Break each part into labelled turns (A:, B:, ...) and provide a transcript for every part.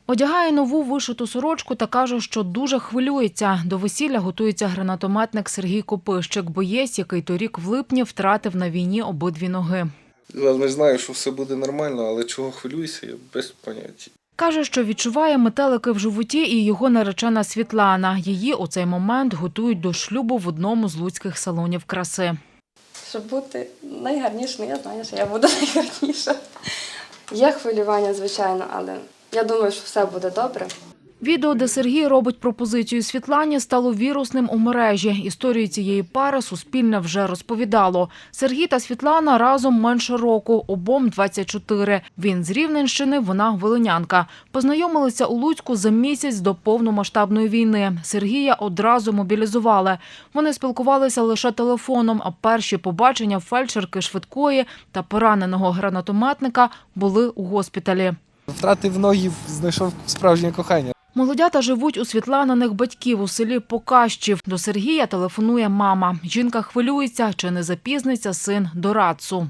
A: Одягає нову вишиту сорочку та каже, що дуже хвилюється. До весілля готується гранатометник Сергій Копищик, боєць, який торік в липні втратив на війні обидві ноги.
B: Я знаю, що все буде нормально, але чого хвилююся, я без поняття.
A: Каже, що відчуває метелики в животі і його наречена Світлана. Її у цей момент готують до шлюбу в одному з луцьких салонів краси.
C: Щоб бути найгарнішою, я знаю, що я буду найгарніша. Є хвилювання, звичайно, але я думаю, що все буде добре.
A: Відео, де Сергій робить пропозицію Світлані, стало вірусним у мережі. Історію цієї пари Суспільне вже розповідало. Сергій та Світлана разом менше року, обом 24. Він з Рівненщини, вона волинянка. Познайомилися у Луцьку за місяць до повномасштабної війни. Сергія одразу мобілізували. Вони спілкувалися лише телефоном, а перші побачення фельдшерки швидкої та пораненого гранатометника були у госпіталі.
D: Втратив ноги, знайшов справжнє кохання.
A: Молодята живуть у Світланиних батьків у селі Покащів. До Сергія телефонує мама. Жінка хвилюється, чи не запізниться син до РАЦу.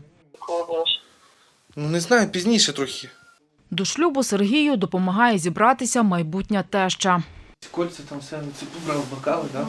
B: Не знаю, пізніше трохи.
A: До шлюбу Сергію допомагає зібратися майбутня теща.
D: Кольця там все, ці побрав бокали, так?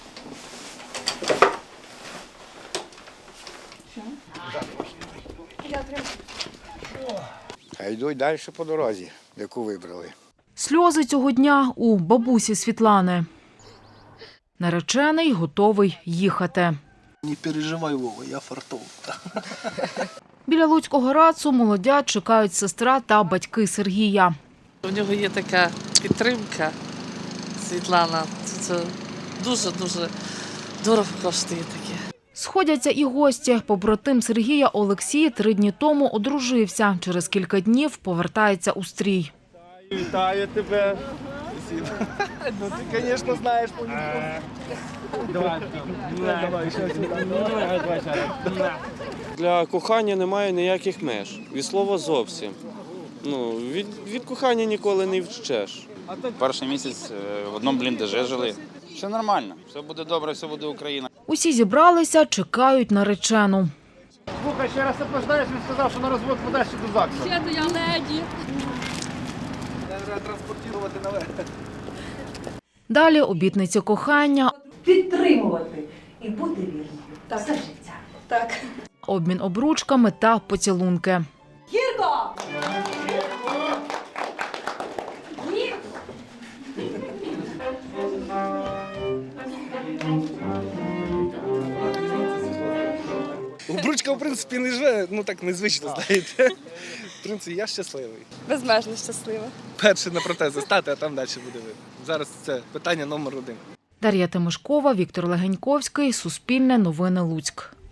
E: А йдуть далі по дорозі, яку вибрали.
A: Сльози цього дня у бабусі Світлани. Наречений готовий їхати.
D: Не переживай, Вова, я фартов.
A: Біля Луцького РАЦу молодят чекають сестра та батьки Сергія.
F: У нього є така підтримка, Світлана. Це дуже-дуже дорого коштує таке.
A: Сходяться і гості. Побратим Сергія Олексій 3 дні тому одружився. Через кілька днів повертається у стрій.
D: Вітаю тебе. Ну ти, звісно, знаєш
G: Для кохання немає ніяких меж. Від слова зовсім. Від кохання ніколи не втечеш.
H: Перший місяць в одному бліндажі жили. Все нормально, все буде добре, все буде Україна.
A: Усі зібралися, чекають наречену.
D: Слухай, ще раз опождаєш, він сказав, що на розвод подасть до ЗАГСу.
I: Ще до я леді.
D: Треба транспортувати наверх.
A: Далі обітниці кохання,
J: Підтримувати і бути вірною все життя.
C: Так.
A: обмін обручками та поцілунки.
J: Гірко!
B: Обручка, в принципі, не живе, так незвично, знаєте. В принципі, я щасливий.
C: Безмежно щаслива.
B: Перше на протези стати, а там далі буде видно. Зараз це питання номер 1.
A: Дар'я Тимошкова, Віктор Легеньковський, Суспільне новини Луцьк.